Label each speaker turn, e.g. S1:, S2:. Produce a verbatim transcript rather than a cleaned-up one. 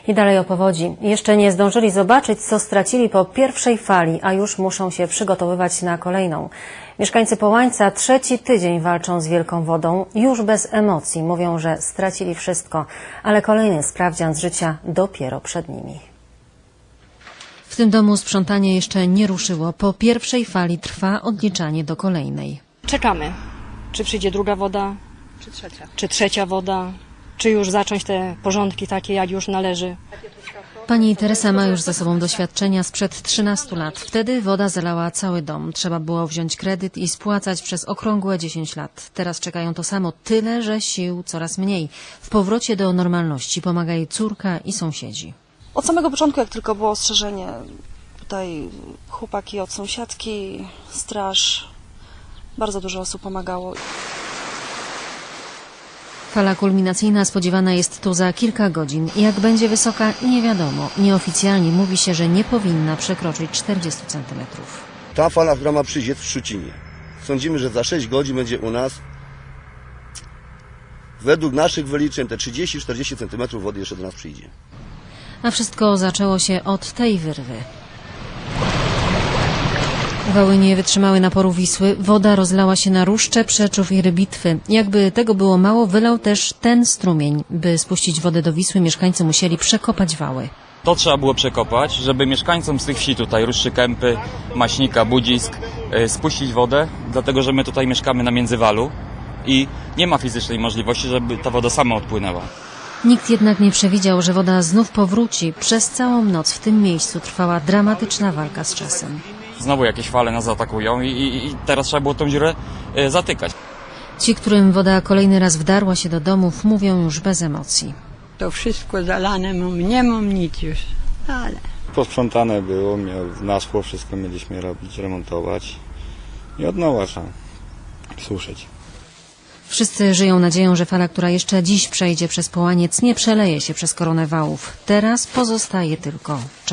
S1: I dalej o powodzi. Jeszcze nie zdążyli zobaczyć, co stracili po pierwszej fali, a już muszą się przygotowywać na kolejną. Mieszkańcy Połańca trzeci tydzień walczą z wielką wodą. Już bez emocji mówią, że stracili wszystko, ale kolejny sprawdzian z życia dopiero przed nimi. W tym domu sprzątanie jeszcze nie ruszyło. Po pierwszej fali trwa odliczanie do kolejnej.
S2: Czekamy, czy przyjdzie druga woda,
S3: Czy trzecia?
S2: czy trzecia woda, czy już zacząć te porządki takie, jak już należy.
S1: Pani Teresa ma już za sobą doświadczenia sprzed trzynastu lat. Wtedy woda zalała cały dom. Trzeba było wziąć kredyt i spłacać przez okrągłe dziesięć lat. Teraz czekają to samo, tyle że sił coraz mniej. W powrocie do normalności pomaga jej córka i sąsiedzi.
S3: Od samego początku, jak tylko było ostrzeżenie, tutaj chłopaki od sąsiadki, straż, bardzo dużo osób pomagało.
S1: Fala kulminacyjna spodziewana jest tu za kilka godzin. Jak będzie wysoka, nie wiadomo. Nieoficjalnie mówi się, że nie powinna przekroczyć czterdziestu centymetrów.
S4: Ta fala, która ma przyjść, jest w Szczucinie. Sądzimy, że za sześć godzin będzie u nas. Według naszych wyliczeń te trzydzieści czterdzieści centymetrów wody jeszcze do nas przyjdzie.
S1: A wszystko zaczęło się od tej wyrwy. Wały nie wytrzymały naporu Wisły, woda rozlała się na Ruszcze, Przeczów i Rybitwy. Jakby tego było mało, wylał też ten strumień. By spuścić wodę do Wisły, mieszkańcy musieli przekopać wały.
S5: To trzeba było przekopać, żeby mieszkańcom z tych wsi tutaj, Ruszczy, Kępy, Maśnika, Budzisk, yy, spuścić wodę, dlatego że my tutaj mieszkamy na międzywalu i nie ma fizycznej możliwości, żeby ta woda sama odpłynęła.
S1: Nikt jednak nie przewidział, że woda znów powróci. Przez całą noc w tym miejscu trwała dramatyczna walka z czasem.
S5: Znowu jakieś fale nas atakują i, i, i teraz trzeba było tą dziurę y, zatykać.
S1: Ci, którym woda kolejny raz wdarła się do domów, mówią już bez emocji.
S6: To wszystko zalane, mam, nie mam nic już, ale...
S7: Posprzątane było, miał, naszło, wszystko mieliśmy robić, remontować i od nowa trzeba suszyć.
S1: Wszyscy żyją nadzieją, że fala, która jeszcze dziś przejdzie przez Połaniec, nie przeleje się przez koronę wałów. Teraz pozostaje tylko czekać.